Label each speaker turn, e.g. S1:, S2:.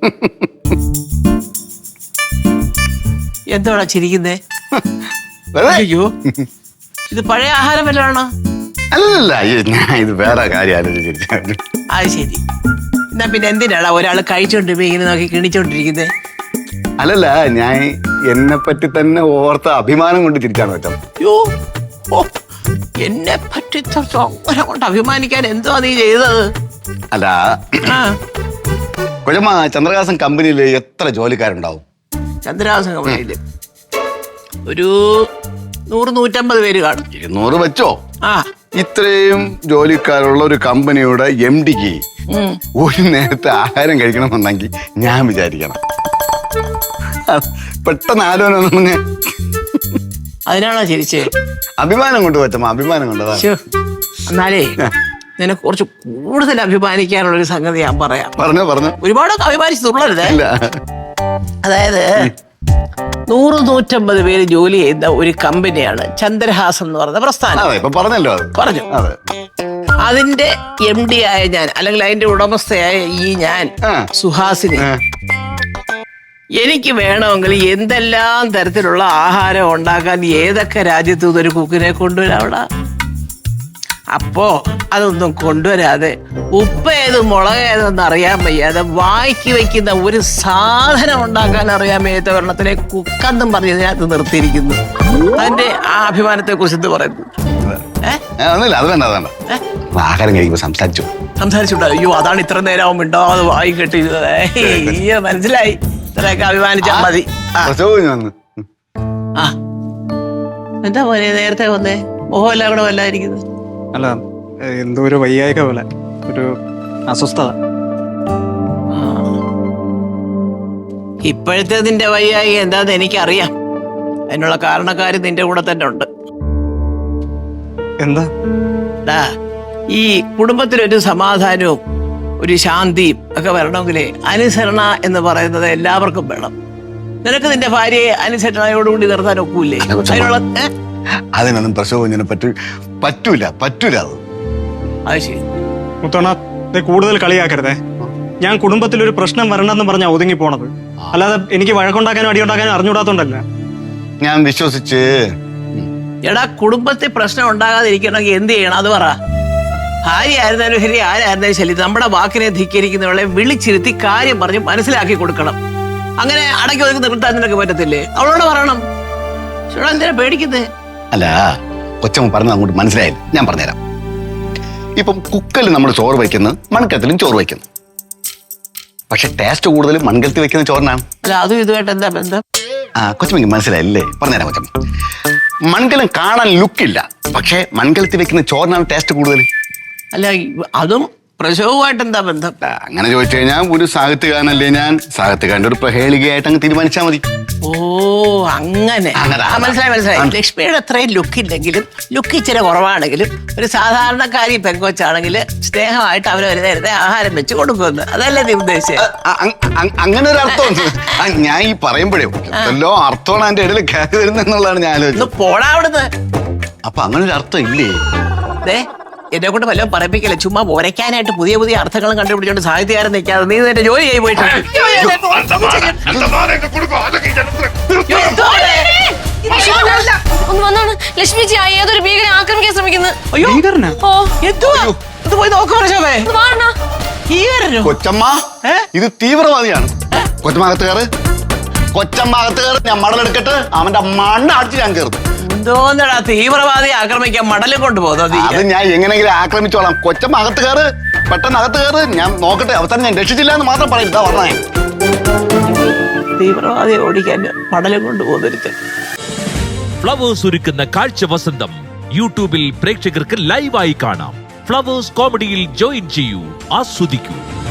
S1: എന്താണ് ചിരിക്കുന്നേ? അയ്യോ, ഇത് പഴയ ആഹാരം വല്ലതാണോ?
S2: അല്ലല്ല, ഞാൻ ഇത് വേറെ കാര്യം ആലോചിച്ചു.
S1: അത് ശരി. എന്നാ പിന്നെ എന്തിനാടാ ഒരാൾ കഴിച്ചോണ്ടിരിക്കുമ്പോ ഇങ്ങനെ നോക്കി കിണിച്ചോണ്ടിരിക്കുന്നേ?
S2: അല്ലല്ല, ഞാൻ എന്നെ പറ്റി തന്നെ ഓർത്ത അഭിമാനം കൊണ്ട് ചിരിച്ചാണ് വെച്ചാൽ.
S1: അയ്യോ, ഓ, എന്നെ പറ്റി അങ്ങനെ കൊണ്ട് അഭിമാനിക്കാൻ എന്തുവാ നീ ചെയ്തത്?
S2: അല്ല
S1: ആ,
S2: കൊച്ചമ്മ, ചന്ദ്രഹാസൻ കമ്പനിയിൽ എത്ര ജോലിക്കാരുണ്ടാവും?
S1: ചന്ദ്രഹാസൻ കമ്പനിയില് ഒരു 100-150 പേര് കാണും.
S2: 200 വെച്ചോ.
S1: ആ,
S2: ഇത്രയും ജോലിക്കാരുള്ള ഒരു കമ്പനിയുടെ MD-ക്ക് ഒരു നേരത്തെ ആഹാരം കഴിക്കണമെന്നുണ്ടെങ്കിൽ ഞാൻ വിചാരിക്കണം. പെട്ടെന്ന് ആലോചന പറഞ്ഞ്
S1: അതിനാണോ ചിരിച്ചേ?
S2: അഭിമാനം കൊണ്ട് പറ്റമ്മ, അഭിമാനം കൊണ്ടതാ.
S1: എന്നാലേ നിനക്ക് കുറച്ച് കൂടുതൽ അഭിമാനിക്കാനുള്ള ഒരു സംഗതി ഞാൻ പറയാം.
S2: പറഞ്ഞു.
S1: ഒരുപാടൊക്കെ അഭിമാനിച്ച് തുള്ളരുത്.
S2: ഇല്ല.
S1: അതായത് 100-150 പേര് ജോലി ചെയ്യുന്ന ഒരു കമ്പനിയാണ് ചന്ദ്രഹാസം എന്ന് പറയുന്ന പ്രസ്ഥാനം.
S2: അതെ, ഇപ്പൊ പറഞ്ഞല്ലോ അത്.
S1: പറഞ്ഞു.
S2: അതെ.
S1: അതിന്റെ MD ആയ ഞാൻ, അല്ലെങ്കിൽ അതിന്റെ ഉടമസ്ഥയായ ഞാൻ സുഹാസിനി, എനിക്ക് വേണമെങ്കിൽ എന്തെല്ലാം തരത്തിലുള്ള ആഹാരം ഉണ്ടാക്കാൻ ഏതൊക്കെ രാജ്യത്തു ഒരു കുക്കിനെ കൊണ്ടുവരാവിടെ. അപ്പോ അതൊന്നും കൊണ്ടുവരാതെ ഉപ്പ് ഏത് മുളക് ഏതെന്ന് അറിയാൻ വയ്യാതെ വായിക്ക് വെക്കുന്ന ഒരു സാധനം ഉണ്ടാക്കാൻ അറിയാൻ വയ്യാത്ത ഒരെണ്ണത്തിലെ കുക്കെന്നും പറഞ്ഞതിനകത്ത് നിർത്തിയിരിക്കുന്നു. അതിന്റെ ആ അഭിമാനത്തെ കുറിച്ച് എന്ത് പറയുന്നു?
S2: അത് വേണ്ട, അത് വേണ്ട. ആഹാരം കഴിക്കുമ്പോ സംസാരിച്ചുണ്ടോ?
S1: അയ്യോ, അതാണ് ഇത്ര നേരം മിണ്ടാതെ വായി കെട്ടി. അയ്യോ, മനസ്സിലായി. ഇത്രയൊക്കെ അഭിമാനിച്ചാ മതി. ആ, എന്താ പോലെ നേരത്തെ വന്നേ? മോഹം എല്ലാം കൂടെ വല്ലായിരിക്കുന്നത്?
S3: അല്ല, എന്തോ ഒരു വയ്യായിക പോലെ, ഒരു അസ്വസ്ഥത.
S1: ഇപ്പോഴത്തെ നിന്റെ വയ്യായിക എന്താന്ന് എനിക്കറിയാം. അതിനുള്ള കാരണക്കാര് നിന്റെ കൂടെ തന്നെ ഉണ്ട്.
S3: എന്താ?
S1: ഈ കുടുംബത്തിലൊരു സമാധാനവും ഒരു ശാന്തിയും ഒക്കെ വരണമെങ്കിലേ അനുസരണ എന്ന് പറയുന്നത് എല്ലാവർക്കും വേണം. നിനക്ക് നിന്റെ ഭാര്യയെ അനുസരണയോടുകൂടി നിർത്താൻ ഒക്കൂല്ലേ? അതിനുള്ള
S2: അതിനൊന്നും പ്രസവനെ പറ്റൂല.
S1: അത് ശരി.
S3: മുത്തോണ, കൂടുതൽ കളിയാക്കരുതേ. ഞാൻ കുടുംബത്തിൽ ഒരു പ്രശ്നം വരണമെന്ന് പറഞ്ഞാ ഒതുങ്ങി പോണത്, അല്ലാതെ എനിക്ക് വഴക്കുണ്ടാക്കാനും അടിയുണ്ടാക്കാനും അറിഞ്ഞുകൂടാത്തോണ്ടല്ല.
S2: ഞാൻ വിശ്വസിച്ച്.
S1: എടാ, കുടുംബത്തിൽ പ്രശ്നം ഉണ്ടാകാതിരിക്കണമെങ്കിൽ എന്ത് ചെയ്യണം അത് പറ. ഭാര്യ ആയിരുന്നാലും ശരി, ആരായിരുന്നാലും ശരി, നമ്മുടെ വാക്കിനെ ധിക്കരിക്കുന്നവളെ വിളിച്ചിരുത്തി കാര്യം പറഞ്ഞ് മനസ്സിലാക്കി കൊടുക്കണം. അങ്ങനെ അടക്കി ഒതുക്കി നിർത്താൻ നിനക്ക് പറ്റത്തില്ലേ? അവളോട് പറയണം. എന്തിനാ പേടിക്കുന്നേ?
S2: അല്ല, കൊച്ചമ്മ പറഞ്ഞത് അങ്ങോട്ട് മനസ്സിലായില്ല. ഞാൻ പറഞ്ഞുതരാം. ഇപ്പം കുക്കറിൽ നമ്മൾ ചോറ് വയ്ക്കുന്നു, മൺകലത്തിലും ചോറ് വയ്ക്കുന്നു. പക്ഷെ ടേസ്റ്റ് കൂടുതലും മൺകലത്തിൽ വെക്കുന്ന ചോറിനാണ്.
S1: അല്ല, അതും ഇതുമായിട്ട് എന്താ ബന്ധം?
S2: കൊച്ചമ്മക്ക് മനസ്സിലായില്ലേ? പറഞ്ഞുതരാം കൊച്ചമ്മ. മൺകലം കാണാൻ ലുക്കില്ല, പക്ഷെ മൺകലത്തിൽ വെക്കുന്ന ചോറിനാണ് ടേസ്റ്റ് കൂടുതൽ.
S1: അല്ല, അതും പ്രസവമായിട്ട് എന്താ ബന്ധം?
S2: അങ്ങനെ ചോദിച്ചു കഴിഞ്ഞാൽ ഒരു സാഹിത്യകാരനല്ലേ ഞാൻ, സാഹിത്യകാരന്റെ ഒരു പ്രഹേളികയായിട്ട് അങ്ങ് തീരുമാനിച്ചാൽ മതി.
S1: ഓ, അങ്ങനെ. മനസ്സിലായി. ലക്ഷ്മിയുടെ അത്രയും ലുക്കില്ലെങ്കിലും, ലുക്ക് ഇച്ചിരി കുറവാണെങ്കിലും, ഒരു സാധാരണക്കാരി പെങ്കൊച്ചാണെങ്കിൽ സ്നേഹമായിട്ട് അവര് ഒരു നേരത്തെ ആഹാരം വെച്ച് കൊടുക്കുമെന്ന്, അതല്ലേ നീ ഉദ്ദേശിച്ചത്?
S2: അങ്ങനെ ഒരു അർത്ഥം ഞാൻ ഈ പറയുമ്പോഴേ എല്ലോ അർത്ഥമാണ് എന്റെ ഇടയിൽ കയറി വരുന്നെന്നുള്ളതാണ് ഞാൻ ആലോചിച്ചത്.
S1: പോടാ അവിടുന്ന്.
S2: അപ്പൊ അങ്ങനെ ഒരു അർത്ഥം ഇല്ലേ?
S1: എന്നെ കൊണ്ട് വല്ലതും പറയിപ്പിക്കല്ലേ. ചുമ്മാ ഒരയ്ക്കാനായിട്ട് പുതിയ അർത്ഥങ്ങളും കണ്ടുപിടിച്ചോണ്ട് സാഹിത്യകാരൻ നിൽക്കാതെ നീ നിന്റെ ജോലി ചെയ്ത് പോയിട്ട്.
S4: ഒന്ന് വന്നാണ് ലക്ഷ്മിജി ഏതൊരു ഭീകരനെ ആക്രമിക്കാൻ ശ്രമിക്കുന്നത്.
S2: കൊച്ചമ്മ, ഇത് തീവ്രവാദിയാണ്. കൊച്ചമ്മകത്ത് കയറ്, കൊച്ചമ്മകത്ത് കയറ്. ഞാൻ മടലെടുക്കട്ട് അവന്റെ മണ്ണ അടിച്ച് ഞാൻ കയറും.
S1: എന്തോന്നടാ തീവ്രവാദി ആക്രമിക്കാൻ മടലും കൊണ്ടുപോകുന്നത്?
S2: അത് ഞാൻ എങ്ങനെയെങ്കിലും ആക്രമിച്ചോളാം. കൊച്ചമ്മ അകത്ത് കയറ്, പെട്ടെന്ന് അകത്ത് കയറ്. ഞാൻ നോക്കട്ടെ, അവസാനം ഞാൻ രക്ഷിച്ചില്ല എന്ന് മാത്രം പറയില്ല. പറഞ്ഞേ,
S1: തീവ്രവാദിയെ ഓടിക്കാൻ മടലും കൊണ്ടുപോകുന്നൊരുത്തൻ.
S5: ഫ്ലവേഴ്സ് ഒരുക്കുന്ന കാഴ്ച വസന്തം യൂട്യൂബിൽ പ്രേക്ഷകർക്ക് ലൈവായി കാണാം. ഫ്ലവേഴ്സ് കോമഡിയിൽ ജോയിൻ ചെയ്യൂ, ആസ്വദിക്കൂ.